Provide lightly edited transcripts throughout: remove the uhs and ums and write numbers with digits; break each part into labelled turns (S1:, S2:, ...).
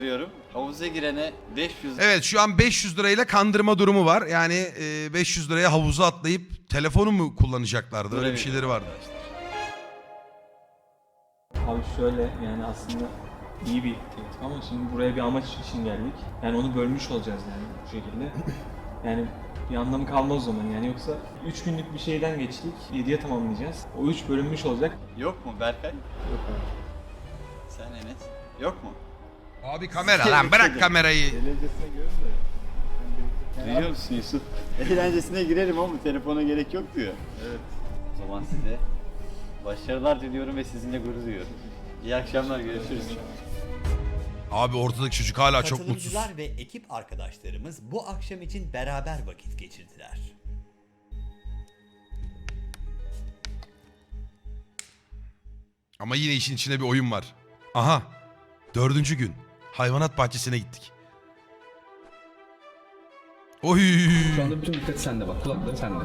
S1: diyorum. Havuza girene 500
S2: Evet, şu an 500 lirayla kandırma durumu var. Yani 500 liraya havuza atlayıp telefonu mu kullanacaklardı? Öyle bir şeyleri vardı.
S3: Abi şöyle, yani aslında iyi bir teklif ama şimdi buraya bir amaç için geldik. Yani onu bölmüş olacağız yani bu şekilde. Yani bir anlamı kalmaz o zaman yani, yoksa 3 günlük bir şeyden geçtik, 7'ye tamamlayacağız. O 3 bölünmüş olacak.
S1: Yok mu Berkay?
S3: Yok abi.
S1: Sen Enes? Yok mu?
S2: Abi kamera lan, bırak kamerayı.
S4: Eğlencesine görün de.
S1: Duyuyor musun Yusuf? Eğlencesine girerim ama telefona gerek yok diyor.
S4: Evet.
S1: O zaman size başarılar diliyorum ve sizinle gurur duyuyorum. İyi akşamlar, görüşürüz.
S2: Abi ortadaki çocuk hala çok mutsuz.
S5: Katılımcılar ve ekip arkadaşlarımız bu akşam için beraber vakit geçirdiler.
S2: Ama yine işin içinde bir oyun var. Aha. 4. gün. Hayvanat bahçesine gittik. Oy.
S6: Şu anda bütün dikkat sende bak. Kulakları sende.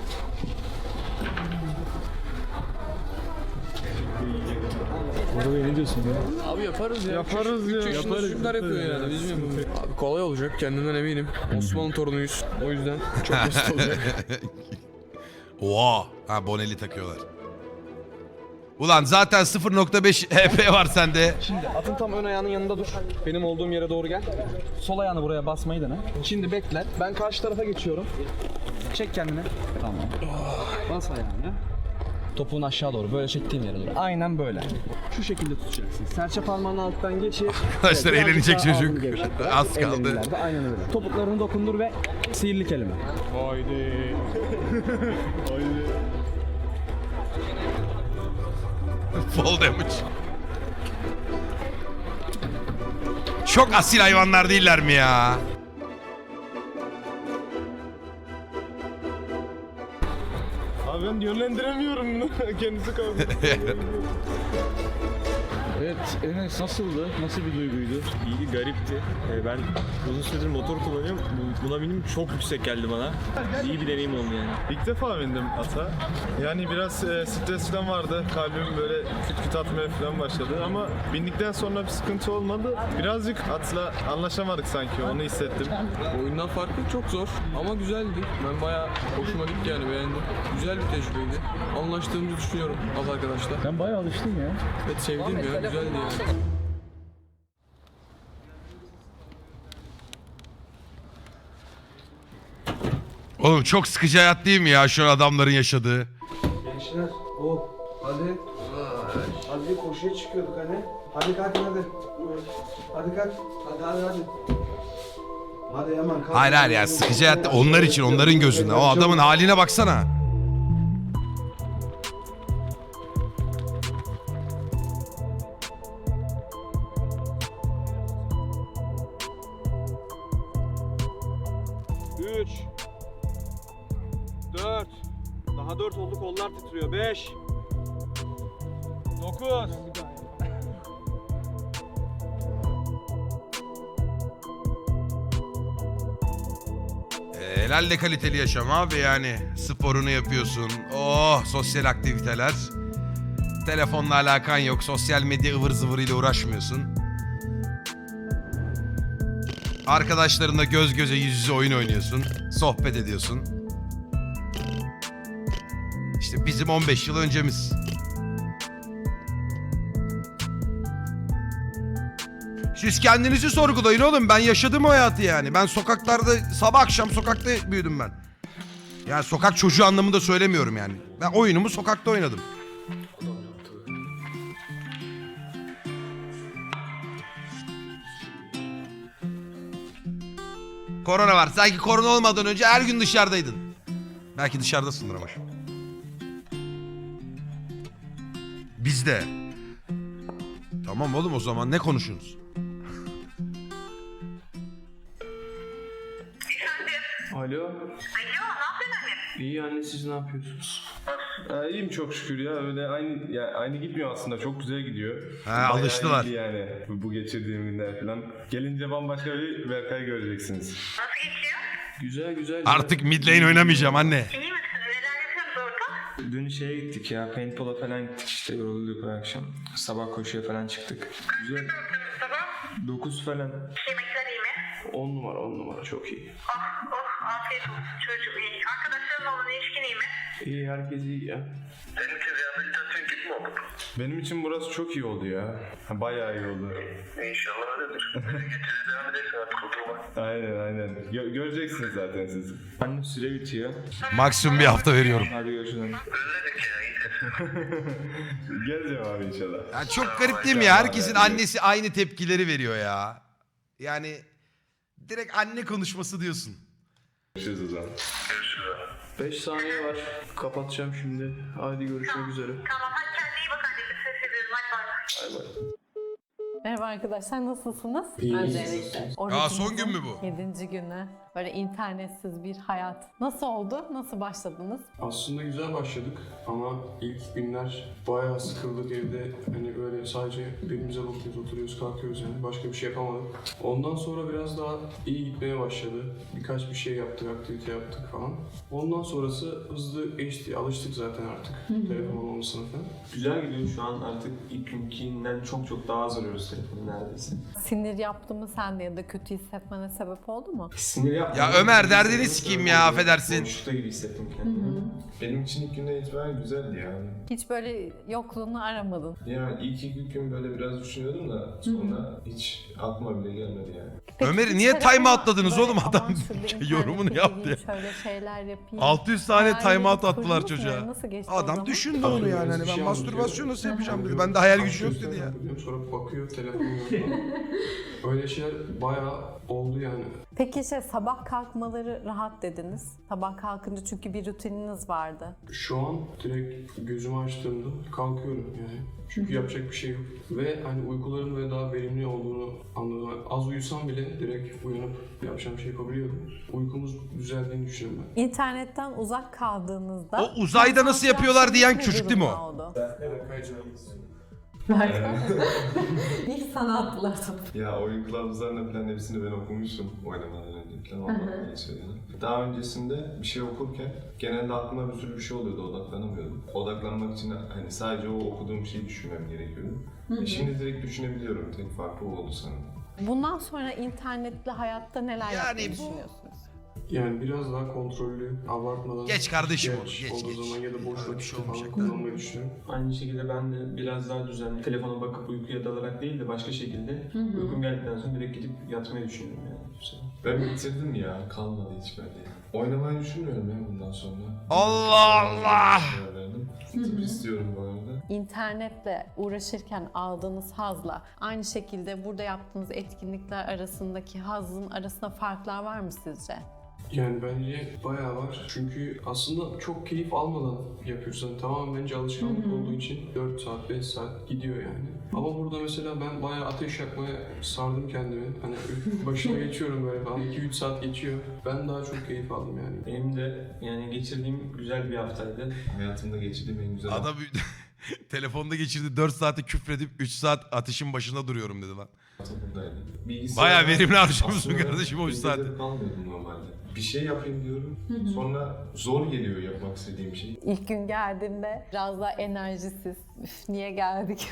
S3: Orada ne diyorsun ya?
S7: Abi yaparız ya.
S4: Yaparız ya.
S7: 3 yaşında
S4: Yaparız,
S7: çocuklar yapıyor yani. Biz mi? Abi kolay olacak, kendimden eminim. Osmanlı torunuyuz. O yüzden çok basit olacak.
S2: Oha. Ha, boneli takıyorlar. Ulan zaten 0.5 HP var sende.
S6: Şimdi atın tam ön ayağının yanında dur. Benim olduğum yere doğru gel. Sol ayağını buraya basmayı dene. Şimdi bekle. Ben karşı tarafa geçiyorum. Çek kendini. Tamam. Bas ayağını. Topuğun aşağı doğru. Böyle çektiğim yere doğru. Aynen böyle. Şu şekilde tutacaksın. Serçe parmağının alttan geçir.
S2: Arkadaşlar
S6: Evet,
S2: eğlenecek
S6: birazcık daha
S2: çocuk.
S6: ağzını gevşet.
S2: Az kaldı.
S6: Ellerini ileride, aynen öyle. Topuklarını dokundur ve sihirli kelime.
S4: Haydi. Haydi.
S2: Fall damage. Çok asil hayvanlar değiller mi ya?
S4: Abi ben yönlendiremiyorum bunu. Kendisi kaldı.
S8: Evet, Enes nasıldı? Nasıl bir duyguydu?
S3: İyi, garipti. Ben uzun süredir motor kullanıyorum. Buna benim çok yüksek geldi bana. İyi bir deneyim oldu yani.
S4: İlk defa bindim ata. Yani biraz stres falan vardı. Kalbim böyle küt küt atmaya falan başladı ama bindikten sonra bir sıkıntı olmadı. Birazcık atla anlaşamadık sanki, onu hissettim.
S7: Oyundan farklı çok zor ama güzeldi. Ben bayağı hoşuma gitti yani, beğendim. Güzel bir tecrübeydi. Anlaştığımızı düşünüyorum az arkadaşlar.
S8: Ben bayağı alıştım ya.
S7: Evet, sevdim ya, güzeldi yani.
S2: Oğlum çok sıkıcı hayat değil mi ya şu an adamların yaşadığı?
S9: Gençler, hadi. Hadi koşuya çıkıyorduk hani. Hadi kalkın hadi. Hadi kalk. Hadi. Hadi hemen kalk.
S2: Hayır hayır ya, sıkıcı hayat onlar için, onların gözünde. O adamın haline baksana.
S9: Üç. 4. Daha 4 oldu, kollar titriyor. 5. 9.
S2: Helal kaliteli yaşam abi yani. Sporunu yapıyorsun. Oh, sosyal aktiviteler. Telefonla alakan yok. Sosyal medya ıvır zıvırıyla uğraşmıyorsun. Arkadaşlarınla göz göze yüz yüze oyun oynuyorsun. Sohbet ediyorsun. İşte bizim 15 yıl öncemiz. Siz kendinizi sorgulayın oğlum. Ben yaşadım o hayatı yani. Ben sokaklarda, sabah akşam sokakta büyüdüm ben. Yani sokak çocuğu anlamında söylemiyorum yani. Ben oyunumu sokakta oynadım. Korona var. Sanki korona olmadan önce her gün dışarıdaydın. Belki dışarıdasındır ama şu. Bizde. Tamam oğlum, o zaman ne konuşuyorsunuz?
S3: Alo. Alo, ne yapıyorsun anne? İyi anne, siz ne yapıyorsunuz?
S4: İyiyim çok şükür ya, öyle aynı gitmiyor aslında, çok güzel gidiyor.
S2: Ha,
S4: Bayağı
S2: alıştılar.
S4: iyiydi yani bu geçirdiğim günler falan. Gelince bambaşka bir Berkay göreceksiniz.
S10: Nasıl geçiyor?
S3: Güzel güzel.
S2: Artık mid lane oynamayacağım anne.
S10: İyi misiniz? Neler yapıyorsunuz orada?
S3: Dün şeye gittik ya, paintball'a falan gittik işte, yorulduk bu akşam. Sabah koşuya falan çıktık. Güzel.
S10: Mustafa?
S9: 9 falan.
S10: Yemekler iyi mi?
S9: 10 numara 10 numara çok iyi.
S10: Oh oh afiyet olsun çocuğum iyi. Arkadaşlarınla olan ilişkin iyi mi?
S9: İyi herkes iyi ya.
S10: Senin için rehabilitasyon gibi mi oldu?
S4: Benim için burası çok iyi oldu ya. Bayağı iyi oldu.
S10: İnşallah öyledir. Getiririz devam edersin artık oturma.
S4: Aynen. Göreceksiniz zaten siz.
S9: Anne süre bitiyor.
S2: Maksimum bir hafta veriyorum.
S9: Hadi görüşürüz.
S10: Özledik ya iyidir.
S4: Geleceğim abi inşallah.
S2: Ya çok garip değil mi ya? Herkesin annesi aynı tepkileri veriyor ya. Yani direkt anne konuşması diyorsun.
S4: Görüşürüz o zaman.
S9: 5 saniye var. Kapatacağım şimdi. Hadi görüşmek üzere.
S10: Tamam hadi kendine iyi bak anneciğim. Ses ediyorum hadi bay bay.
S9: Bay bay.
S11: Merhaba arkadaşlar, nasılsınız?
S9: İyi.
S11: Öncelikle.
S2: Aa, son gün mü bu?
S11: 7. günü. Böyle internetsiz bir hayat. Nasıl oldu? Nasıl başladınız?
S12: Aslında güzel başladık ama ilk günler bayağı sıkıldık evde. Hani böyle sadece birbirimize bakıyoruz, oturuyoruz, kalkıyoruz yani. Başka bir şey yapamadık. Ondan sonra biraz daha iyi gitmeye başladı. Birkaç bir şey yaptık, aktivite yaptık falan. Ondan sonrası hızlı geçti. Alıştık zaten artık telefon olmasına falan.
S3: Güzel gidiyor şu an artık ilk günkinden çok daha az arıyoruz telefonu neredeyse.
S11: Sinir yaptı mı sende ya da kötü hissetmene sebep oldu mu?
S3: Sinir yapmadım.
S2: Ya Ömer, derdini sikeyim ya, affedersin.
S3: Boşlukta gibi hissettim kendimi.
S4: Benim için ilk günden itibaren güzeldi yani.
S11: Hiç böyle yokluğunu aramadın.
S4: Yani ilk iki gün böyle biraz düşünüyordum da sonra hiç aklıma bile gelmedi yani.
S11: Peki
S2: Ömer'i
S11: hiç
S2: niye
S11: telefona
S2: timeout atladınız
S11: böyle,
S2: oğlum? Adam
S11: "Aman şurada internet
S2: yorumunu yaptı
S11: gireyim,
S2: ya.
S11: Şöyle şeyler yapayım.
S2: 600 tane
S11: Hayalini
S2: timeout attılar
S11: kurdunuz mu
S2: çocuğa.
S11: yani? Nasıl geçti o
S2: Adam
S11: zaman?
S2: düşündü onu yani. Hani ben mastürbasyon nasıl yapacağım dedi. Bende hayal gücü yok dedi ya.
S12: Sonra bakıyor, telefon yok falan. Öyle şeyler bayağı oldu yani.
S11: Peki sabah kalkmaları rahat dediniz. Sabah kalkınca çünkü bir rutininiz vardı.
S12: Şu an direkt gözümü açtığımda kalkıyorum yani. Çünkü yapacak bir şey yok. Ve hani uykuların böyle daha verimli olduğunu anladım. Yani az uyusam bile direkt uyanıp yapacağım şey yapabiliyordum. Uykumuz düzeldiğini düşünüyorum ben.
S11: İnternetten uzak kaldığınızda...
S2: O uzayda nasıl yapıyorlar diyen
S11: ne
S2: çocuk değil mi o?
S11: durumda oldu?
S12: Evet, kayacağız.
S11: Bir sanatlar.
S4: Ya oyun kılavuzlarına falan hepsini ben okumuştum oynamadan önce falan ondan geçiyor yani. Daha öncesinde bir şey okurken genelde aklıma bir sürü bir şey oluyordu, odaklanamıyordum. Odaklanmak için hani sadece o okuduğum şeyi düşünmem gerekiyordu. Şimdi direkt düşünebiliyorum, tek farkı o oldu sanırım.
S11: Bundan sonra internetli hayatta neler yapmayı düşünüyorsunuz?
S12: Yani biraz daha kontrollü, abartmadan...
S2: Geç kardeşim
S12: ihtiyaç
S2: onu, geç,
S12: olduğu
S2: geç.
S12: zaman ya da boş
S2: Öyle bir şey
S12: vakitte falan
S2: olmayacak.
S12: kullanmayı düşünüyorum.
S3: Aynı şekilde ben de biraz daha düzenli telefona bakıp uykuya dalarak değil de başka şekilde uykum geldikten sonra direkt gidip yatmayı düşünüyorum yani.
S4: Ben bitirdim ya, kalmadı hiç bende. Oynamayı düşünmüyorum ya bundan sonra.
S2: Allah Allah!
S4: Tıp istiyorum bu arada.
S11: İnternetle uğraşırken aldığınız hazla aynı şekilde burada yaptığınız etkinlikler arasındaki hazın arasında farklar var mı sizce?
S12: Yani bence bayağı var. Çünkü aslında çok keyif almadan yapıyorsun. Yani tamamen bence alışkanlık olduğu için 4 saat, 5 saat gidiyor yani. Ama burada mesela ben bayağı ateş yakmaya sardım kendimi. Hani başına geçiyorum böyle falan. 2-3 saat geçiyor. Ben daha çok keyif aldım yani.
S3: Benim de yani geçirdiğim güzel bir haftaydı.
S4: Hayatımda geçirdiğim en güzel
S2: Adam telefonda geçirdi 4 saati küfredip 3 saat ateşin başında duruyorum dedi lan.
S4: hafta buradaydı.
S2: Bayağı verimli harcamışsın
S4: Aslında
S2: kardeşim o 3 saati.
S4: evde kalmıyordum normalde. Bir şey yapayım diyorum. Sonra zor geliyor yapmak istediğim şey.
S11: İlk gün geldiğimde biraz daha enerjisiz. Üf, niye geldik?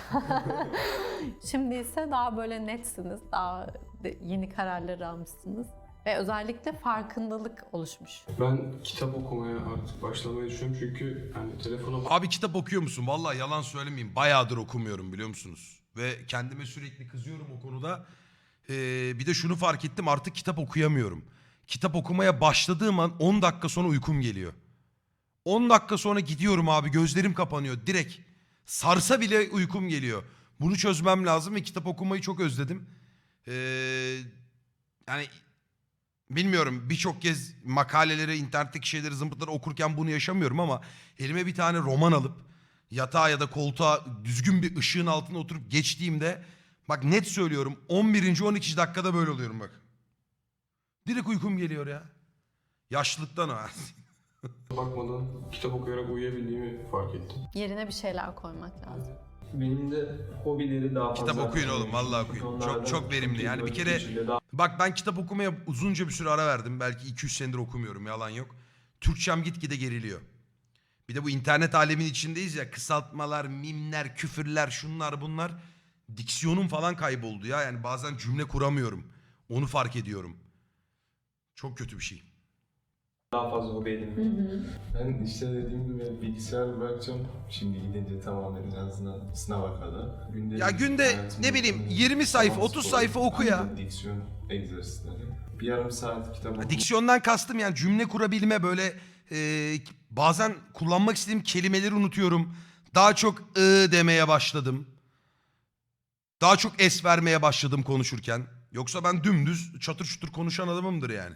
S11: Şimdi ise daha böyle netsiniz. Daha yeni kararlar almışsınız. Ve özellikle farkındalık oluşmuş.
S12: Ben kitap okumaya artık başlamayı düşünüyorum çünkü hani telefona
S2: Abi kitap okuyor musun? Vallahi yalan söylemeyeyim. Bayağıdır okumuyorum biliyor musunuz? Ve kendime sürekli kızıyorum o konuda. Bir de şunu fark ettim, artık kitap okuyamıyorum. Kitap okumaya başladığım an 10 dakika sonra uykum geliyor. 10 dakika sonra gidiyorum abi, gözlerim kapanıyor direkt. Sarsa bile uykum geliyor. Bunu çözmem lazım ve kitap okumayı çok özledim. Yani bilmiyorum, birçok kez makaleleri, internetteki şeyleri, zımpıtları okurken bunu yaşamıyorum ama elime bir tane roman alıp yatağa ya da koltuğa düzgün bir ışığın altına oturup geçtiğimde, bak net söylüyorum, 11. 12. dakikada böyle oluyorum bak. Direkt uykum geliyor ya. Yaşlılıktan o.
S12: bakmadan kitap okuyarak uyuyabildiğimi fark ettim.
S11: Yerine bir şeyler koymak lazım.
S3: Benim de hobileri daha fazla...
S2: Kitap okuyun oğlum, vallahi okuyun.
S3: Onlardan
S2: Çok verimli.
S3: iyi
S2: Yani bir
S3: vakit
S2: kere
S3: geçiriliyor. Daha
S2: bak, ben kitap okumaya uzunca bir süre ara verdim. Belki 2-3 senedir okumuyorum, yalan yok. Türkçem gitgide geriliyor. Bir de bu internet alemin içindeyiz ya, kısaltmalar, mimler, küfürler, şunlar bunlar. diksiyonum falan kayboldu ya. Yani bazen cümle kuramıyorum. Onu fark ediyorum. Çok kötü bir şey.
S3: Daha fazla hobi edinmek.
S4: Ben işte dediğim gibi bilgisayar bırakacağım. Şimdi gidince tamamen en azından sınava kadar.
S2: Günde ne bileyim 20 sayfa 30 sayfa oku ya.
S4: Diksiyon egzersizleri. Bir yarım saat kitap oku.
S2: Diksiyondan kastım yani cümle kurabilme böyle bazen kullanmak istediğim kelimeleri unutuyorum. Daha çok demeye başladım. Daha çok es vermeye başladım konuşurken. Yoksa ben dümdüz çatır çutur konuşan adamımdır yani.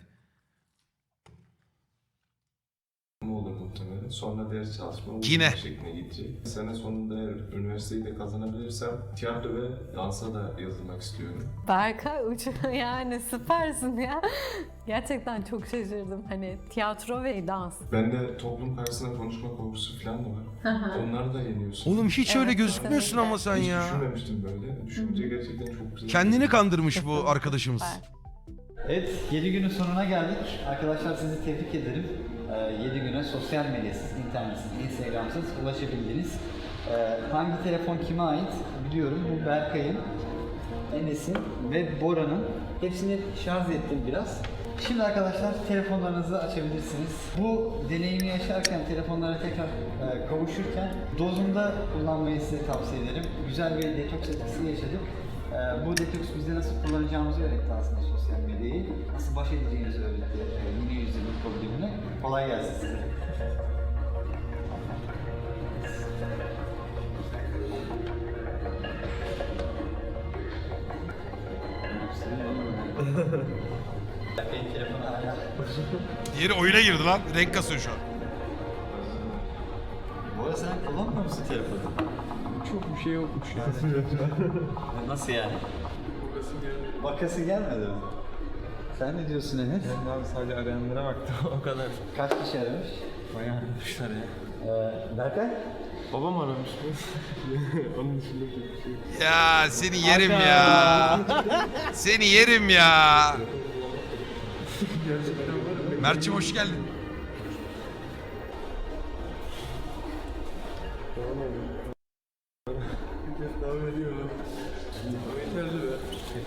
S4: olur muhtemelen. Sonra ders çalışma
S2: Yine.
S4: şekline gidecek. Sene sonunda eğer üniversiteyi de kazanabilirsem tiyatro ve dansa da yazılmak istiyorum.
S11: Berkay yani süpersin ya. Gerçekten çok şaşırdım. Hani tiyatro ve dans.
S4: Bende toplum karşısında konuşma korkusu falan da var. Onları da yeniyorsun.
S2: Oğlum hiç öyle gözükmüyorsun ama sen
S4: Hiç
S2: ya.
S4: düşünmemiştim böyle. Düşününce gerçekten çok güzel.
S2: Kendini kandırmış bu arkadaşımız.
S1: Evet, 7 günün sonuna geldik. Arkadaşlar sizi tebrik ederim. 7 güne sosyal medyasız, internetsiz, instagramsız ulaşabildiniz. Hangi telefon kime ait biliyorum. Bu Berkay'ın, Enes'in ve Bora'nın. Hepsini şarj ettim biraz. Şimdi arkadaşlar telefonlarınızı açabilirsiniz. Bu deneyimi yaşarken, telefonlara tekrar kavuşurken dozunda kullanmayı size tavsiye ederim. Güzel bir detoks etkisi yaşadık. Bu detoks bize nasıl kullanacağımızı öğretti aslında sosyal medyayı. Nasıl baş edeceğimizi öğretti yeni yüzyılın problemine. Kolay gelsin size. Benim telefonu hala.
S2: Diğeri oyuna girdi lan. Renk kasıyor şu an.
S1: Bu arada sen kullanmıyor musun telefonu?
S7: Çok bir şey yokmuş ya.
S1: Nasıl yani? Bakası gelmedi mi? Sen ne diyorsun Enes?
S3: Ben abi sadece arayanlara baktım o kadar.
S1: Kaç kişi aramış?
S3: Bayağı aramışlar ya.
S1: Berkay?
S4: Babam aramış mı? Onun dışında bir şey yok.
S2: Ya seni yerim ya. Seni yerim ya. Mert'cim hoş geldin.
S4: Devam ediyor. Yeterli be.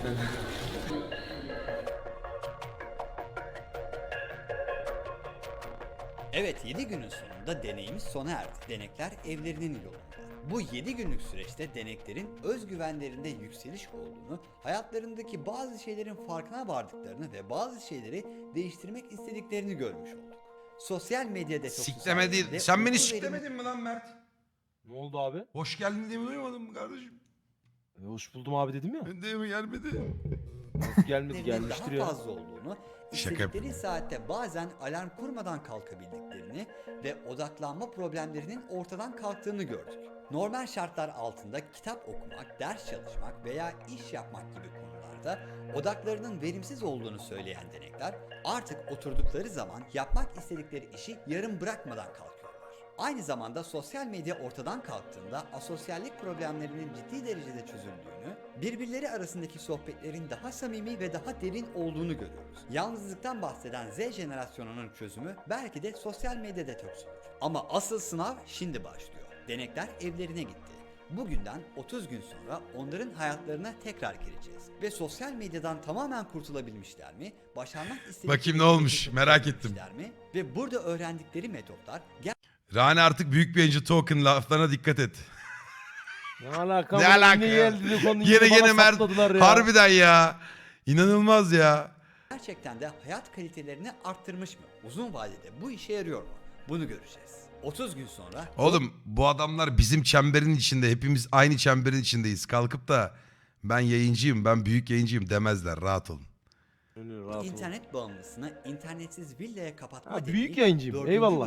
S5: Evet, 7 günün sonunda deneyimiz sona erdi. Denekler evlerinin yolunda. Bu 7 günlük süreçte deneklerin özgüvenlerinde yükseliş olduğunu, hayatlarındaki bazı şeylerin farkına vardıklarını ve bazı şeyleri değiştirmek istediklerini görmüş olduk. Sosyal medya detoksu
S2: Sikleme değil.
S5: sayesinde
S2: Sen beni
S5: uyku
S2: siklemedin mi lan Mert?
S8: Ne oldu abi?
S2: Hoş geldin diye mi duymadın mı kardeşim?
S8: Hoş buldum abi dedim ya.
S2: Ben de mi gelmedi?
S8: Nasıl gelmedi
S5: verimlerinin
S8: gelmiştir
S5: daha
S8: ya.
S5: fazla olduğunu,
S2: Şaka
S5: istedikleri saatte bazen alarm kurmadan kalkabildiklerini ve odaklanma problemlerinin ortadan kalktığını gördük. Normal şartlar altında kitap okumak, ders çalışmak veya iş yapmak gibi konularda odaklarının verimsiz olduğunu söyleyen denekler artık oturdukları zaman yapmak istedikleri işi yarım bırakmadan kalkıyorlar. Aynı zamanda sosyal medya ortadan kalktığında asosyallik problemlerinin ciddi derecede çözüldüğünü, birbirleri arasındaki sohbetlerin daha samimi ve daha derin olduğunu görüyoruz. Yalnızlıktan bahseden Z jenerasyonunun çözümü belki de sosyal medya detoksudur. Ama asıl sınav şimdi başlıyor. Denekler evlerine gitti. Bugünden 30 gün sonra onların hayatlarına tekrar gireceğiz. Ve sosyal medyadan tamamen kurtulabilmişler mi? Başarmak istedikleri
S2: Bakayım ne olmuş,
S5: şeyi
S2: merak ettim.
S5: mi? Ve burada öğrendikleri metotlar
S2: Rani artık büyük bir Angel Token laflarına dikkat et.
S8: Ne alaka?
S2: Ne alaka ya? Yine Mert harbiden ya. İnanılmaz ya.
S5: gerçekten de hayat kalitelerini arttırmış mı? Uzun vadede bu işe yarıyor mu? Bunu göreceğiz. 30 gün sonra
S2: Oğlum bu adamlar bizim çemberin içinde. Hepimiz aynı çemberin içindeyiz. Kalkıp da ben yayıncıyım, ben büyük yayıncıyım demezler. Rahat olun.
S5: internet bağımlısını internetsiz villaya kapatma
S8: Ha,
S5: dediği
S8: büyük yayıncıyım,
S5: 4.
S8: eyvallah.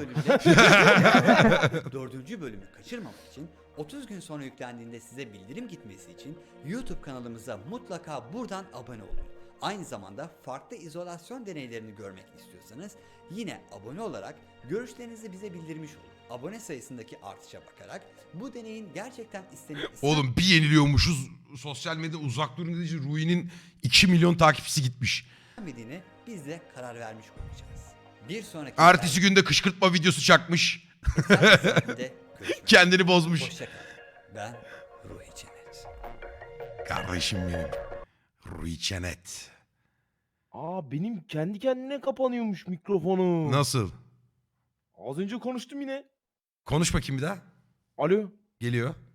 S5: bölümde 4. bölümü kaçırmamak için 30 gün sonra yüklendiğinde size bildirim gitmesi için YouTube kanalımıza mutlaka buradan abone olun. Aynı zamanda farklı izolasyon deneylerini görmek istiyorsanız yine abone olarak görüşlerinizi bize bildirmiş olun. Abone sayısındaki artışa bakarak bu deneyin gerçekten istenip
S2: Oğlum bir yeniliyormuşuz. Sosyal medya uzak durun dediği için Rui'nin 2 milyon takipçisi gitmiş.
S5: istenmediğini biz de karar vermiş olacağız. Bir sonraki
S2: Ertesi günde kışkırtma videosu çakmış.
S5: görüşmek
S2: Kendini bozmuş.
S5: Hoşçakalın. Ben Ruhi Cennet.
S2: Kardeşim benim. Rui Çenet.
S8: Aa benim kendi kendine kapanıyormuş mikrofonu.
S2: Nasıl?
S8: Az önce konuştum yine.
S2: Konuş bakayım bir daha.
S8: Alo.
S2: Geliyor.